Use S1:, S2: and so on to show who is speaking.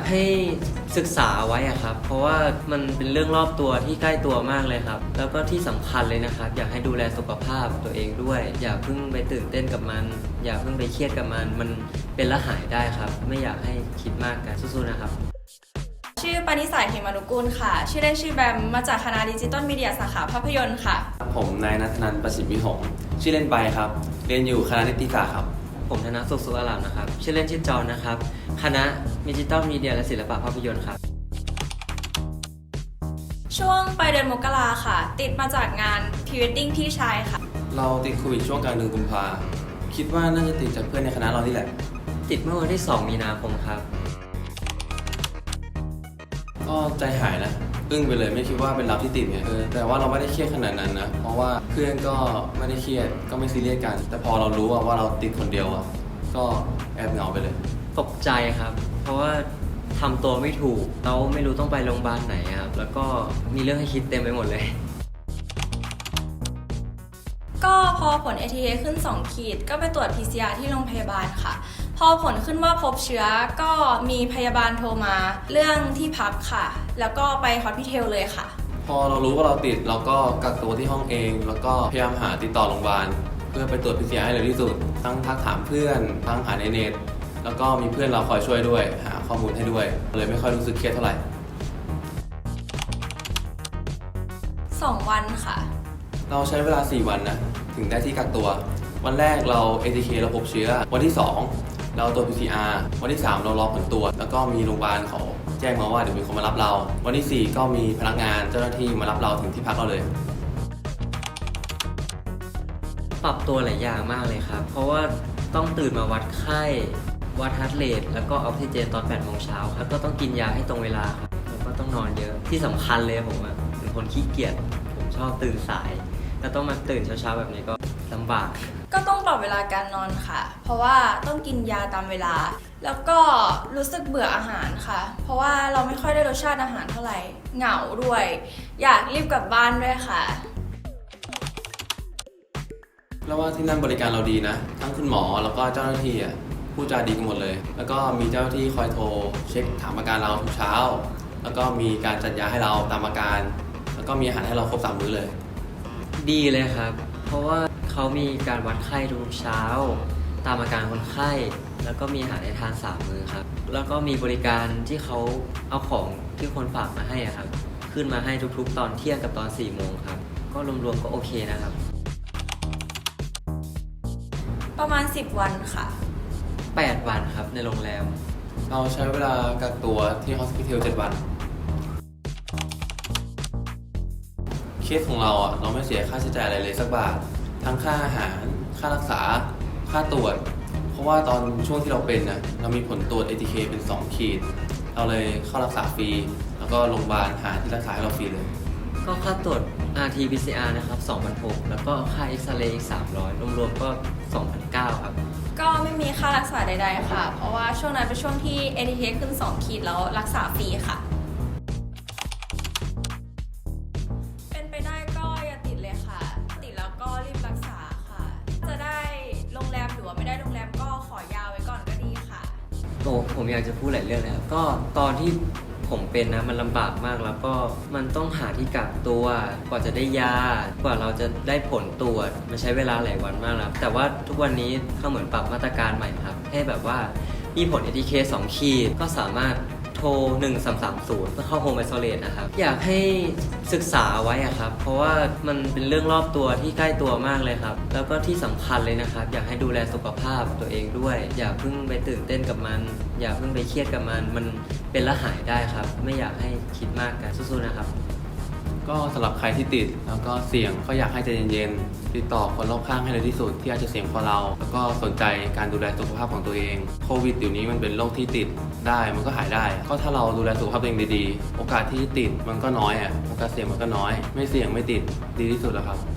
S1: ให้ศึกษาไว้อะครับเพราะว่ามันเป็นเรื่องรอบตัวที่ใกล้ตัวมากเลยครับแล้วก็ที่สำคัญเลยนะครับอยากให้ดูแลสุขภาพตัวเองด้วยอย่าเพิ่งไปตื่นเต้นกับมันอย่าเพิ่งไปเครียดกับมันเป็นและหายได้ครับไม่อยากให้คิดมากกันสู้ๆนะครับ
S2: ชื่อปณิสาย เหมนุกูลค่ะชื่อเล่นชื่อแบมมาจากคณะดิจิตอลมีเดียสาขาภาพยนตร์ค่ะ
S3: ผมนายณัฐนันท์ ประสิทธิ์วิหงส์ชื่อเล่นใบครับเรียนอยู่คณะนิติศาสตร์ครับ
S1: ผมธนสุขสุขอารามนะครับชื่อเล่นชื่อจอนนะครับคณะดิจิตอลมีเดียและศิลปะภาพยนตร์ครับ
S2: ช่วงปลายเดือนมกราค่ะติดมาจากงานพรีเวดดิ้งพี่ชายค่ะ
S3: เราติดโควิดช่วงกลางเดือนกุมภาคิดว่าน่าจะติดจากเพื่อนในคณะเรานี่แหละ
S1: ติดเมื่อวันที่2 มีนาคมครับ
S3: ก็ใจหายนะอึ้งไปเลยไม่คิดว่าเป็นเราที่ติดไงแต่ว่าเราไม่ได้เครียดขนาดนั้นนะเพราะว่าเพื่อนก็ไม่ได้เครียดก็ไม่ซีเรียสกันแต่พอเรารู้ว่าเราติดคนเดียวก็แอบเหงาไปเลย
S1: ตกใจครับเพราะว่าทำตัวไม่ถูกเราไม่รู้ต้องไปโรงพยาบาลไหนครับแล้วก็มีเรื่องให้คิดเต็มไปหมดเลย
S2: ก็พอผล ATA ขึ้น2 ขีดก็ไปตรวจ PCR ที่โรงพยาบาลค่ะพอผลขึ้นว่าพบเชื้อก็มีพยาบาลโทรมาเรื่องที่พักค่ะแล้วก็ไปฮอสพิทอลเลยค่ะ
S3: พอเรารู้ว่าเราติดเราก็กักตัวที่ห้องเองแล้วก็พยายามหาติดต่อโรงพยาบาลเพื่อไปตรวจ PCR ให้เร็วที่สุดทั้งทักถามเพื่อนทั้งหาในเน็ตแล้วก็มีเพื่อนเราคอยช่วยด้วยหาข้อมูลให้ด้วยเลยไม่ค่อยรู้สึกเครียดเท่าไหร่
S2: 2 วันค่ะ
S3: เราใช้เวลา4 วันนะถึงได้ที่กักตัววันแรกเรา ATK เราพบเชื้อวันที่2เราตรวจ PCR วันที่3เรารอผลตรวจแล้วก็มีโรงพยาบาลเขาแจ้งมาว่าเดี๋ยวมีคนมารับเราวันที่4ก็มีพนักงานเจ้าหน้าที่มารับเราถึงที่พักเราเลย
S1: ปรับตัวหลายอย่างมากเลยครับเพราะว่าต้องตื่นมาวัดไข้วัดฮาร์ทเรทแล้วก็ออกซิเจนตอน8 โมงเช้าแล้วก็ต้องกินยาให้ตรงเวลาครับแล้วก็ต้องนอนเยอะที่สำคัญเลยผมเป็นคนขี้เกียจผมชอบตื่นสายแล้วต้องมาตื่นเช้าๆแบบนี้ก็ลำบาก
S2: ก็ต้องปรับเวลาการนอนค่ะเพราะว่าต้องกินยาตามเวลาแล้วก็รู้สึกเบื่ออาหารค่ะเพราะว่าเราไม่ค่อยได้รสชาติอาหารเท่าไหร่เหงาด้วยอยากรีบกลับบ้านด้วยค่ะ
S3: แล้วว่าที่นั่นบริการเราดีนะทั้งคุณหมอแล้วก็เจ้าหน้าที่พูดจาดีกันหมดเลยแล้วก็มีเจ้าหน้าที่คอยโทรเช็คถามอาการเราทุกเช้าแล้วก็มีการจัดยาให้เราตามอาการแล้วก็มีอาหารให้เราครบ3 มื้อเลย
S1: ดีเลยครับเพราะว่าเขามีการวัดไข้ทุกเช้าตามอาการคนไข้แล้วก็มีอาหารให้ทาน3 มื้อครับแล้วก็มีบริการที่เขาเอาของที่คนฝากมาให้ครับขึ้นมาให้ทุกๆตอนเที่ยงกับตอน4 โมงครับก็รวมๆก็โอเคนะครับ
S2: ประมาณ10 วันค่ะ
S1: 8 วันครับในโรงแรม
S3: เราใช้เวลากักตัวที่ฮอสพิทอล7 วันเคสของเราเราไม่เสียค่าใช้จ่ายอะไรเลยสักบาททั้งค่าอาหารค่ารักษาค่าตรวจเพราะว่าตอนช่วงที่เราเป็นเรามีผลตรวจ ATK เป็น2 ขีดเราเลยเข้ารักษาฟรีแล้วก็โรงพยาบาลหาที่รักษาให้เราฟรีเลย
S1: ก็ค่าตรวจ RT-PCR นะครับ2,600แล้วก็ค่าเอ็กซเรย์อีก300รวมๆก็2,900ครับ
S2: ก็ไม่มีค่ารักษาใดๆค่ะเพราะว่าช่วงนั้นเป็นช่วงที่ ATK ขึ้น2 ขีดแล้วรักษาฟรีค่ะเป็นไปได้ก็อย่าติดเลยค่ะติดแล้วก็รีบรักษาค่ะจะได้โรงแรมหรือว่าไม่ได้โรงแรมก็ขอยาวไว้ก่อนก็ดีค่ะ
S1: ผมอยากจะพูดหลายเรื่องเลยครับก็ตอนที่ผมเป็นนะมันลำบากมากแล้วก็มันต้องหาที่กักตัวกว่าจะได้ยากว่าเราจะได้ผลตรวจมันใช้เวลาหลายวันมากแล้วแต่ว่าทุกวันนี้เขาเหมือนปรับมาตรการใหม่ครับให้แบบว่ามีผล ATK 2 ขีดก็สามารถโทร1330เพื่อเข้าโฮมไอโซเลตนะครับอยากให้ศึกษาไว้ครับเพราะว่ามันเป็นเรื่องรอบตัวที่ใกล้ตัวมากเลยครับแล้วก็ที่สำคัญเลยนะครับอยากให้ดูแลสุขภาพตัวเองด้วยอย่าเพิ่งไปตื่นเต้นกับมันอย่าเพิ่งไปเครียดกับมันเป็นและหายได้ครับไม่อยากให้คิดมากกันสู้ๆนะครับ
S3: ก็สำหรับใครที่ติดแล้วก็เสี่ยงก็อยากให้ใจเย็นๆติดต่อคนรอบข้างให้เร็วที่สุดที่อาจจะเสี่ยงกว่าเราแล้วก็สนใจการดูแลสุขภาพของตัวเองโควิดเดี๋ยวนี้มันเป็นโรคที่ติดได้มันก็หายได้ก็ถ้าเราดูแลสุขภาพตัวเองดีๆโอกาสที่ติดมันก็น้อยโอกาสเสี่ยงมันก็น้อยไม่เสี่ยงไม่ติดดีที่สุดแล้วครับ